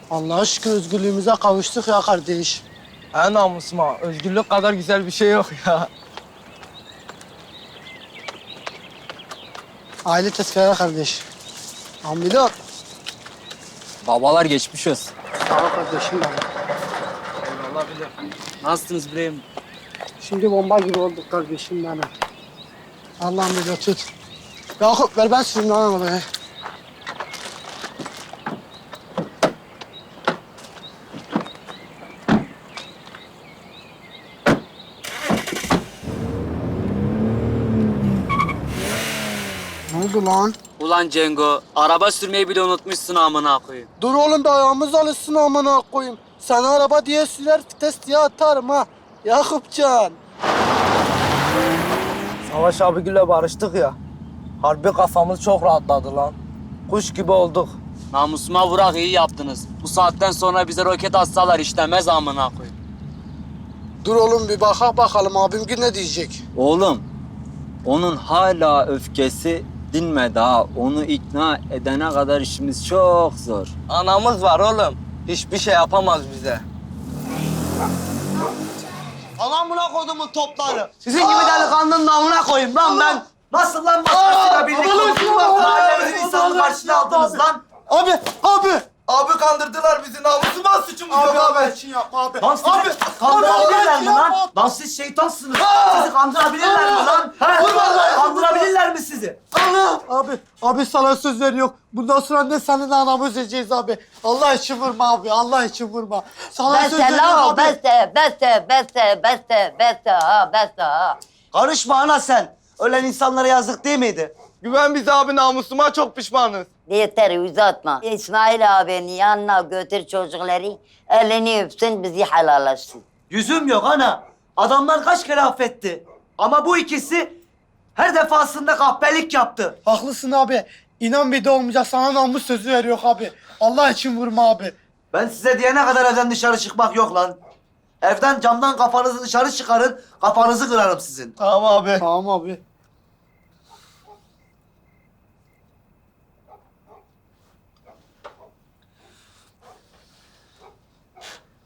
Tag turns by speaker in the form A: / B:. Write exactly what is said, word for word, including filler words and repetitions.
A: Allah'a şükür özgürlüğümüze kavuştuk ya kardeş.
B: En namusuma. Özgürlük kadar güzel bir şey yok ya.
A: Aile tezkere kardeş. Ambilot.
C: Babalar geçmiş olsun.
A: Sağ ol kardeşim benim.
B: Allah bilir.
C: Nasılsınız İbrahim?
A: Şimdi bomba gibi olduk kardeşim benim. Allah'ım bir tut. Yakup ver ben sürüm lan arabayı. Ne oldu lan?
C: Ulan Cengo, araba sürmeyi bile unutmuşsun amına koyayım.
A: Dur oğlum da ayağımız alışsın amına koyayım. Sana araba diye sürer vites diye atarım ha. Yakupcan.
B: Savaş abigille barıştık ya. Harbi kafamız çok rahatladı lan. Kuş gibi olduk.
C: Namusuma vurak iyi yaptınız. Bu saatten sonra bize roket atsalar işlemez amına koyayım.
A: Dur oğlum bir baka bakalım abim ne diyecek.
D: Oğlum, onun hala öfkesi dinmedi ha. Onu ikna edene kadar işimiz çok zor.
B: Anamız var oğlum. Hiçbir şey yapamaz bize.
E: Aman buna kodumun topları. Sizin gibi delikanlının namına koyayım lan ben. Nasıl lan başkasıyla birlikte oturup mahallemizin insanını karşına aldınız lan?
A: Abi, abi.
E: Abi kandırdılar bizi, namusuma suçumuz
A: Abi,
E: yok
A: abi,
E: abi.
A: için yapma abi.
E: Lan sizi
A: Abi,
E: kandırabilirler
A: abi,
E: mi
A: abi,
E: lan?
A: yapma.
E: Lan siz şeytansınız. Sizi kandırabilirler mi lan? He?
A: Vurma lan,
E: Kandırabilirler mi sizi?
A: Abi, abi sana söz veriyor. Bundan sonra ne senin anamı üzeceğiz abi. Allah için vurma abi, Allah için vurma. Sana söz
F: Beste
A: veriyorum
F: la
A: abi.
F: beste, beste, beste, beste, beste ha, beste ha.
E: Karışma ana sen. Ölen insanlara yazık değil miydi?
B: Güven bize abi, namusuma çok pişmanız.
F: Yeter uzatma. İsmail abinin yanına götür çocukları, elini öpsün, bizi helallaşsın.
E: Yüzüm yok ana. Adamlar kaç kere affetti. Ama bu ikisi her defasında kahpelik yaptı.
A: Haklısın abi. İnan bir de olmayacak. Sana namus sözü veriyor abi. Allah için vurma abi.
E: Ben size diyene kadar evden dışarı çıkmak yok lan. Evden camdan kafanızı dışarı çıkarın, kafanızı kırarım sizin.
B: Tamam abi.
A: Tamam abi.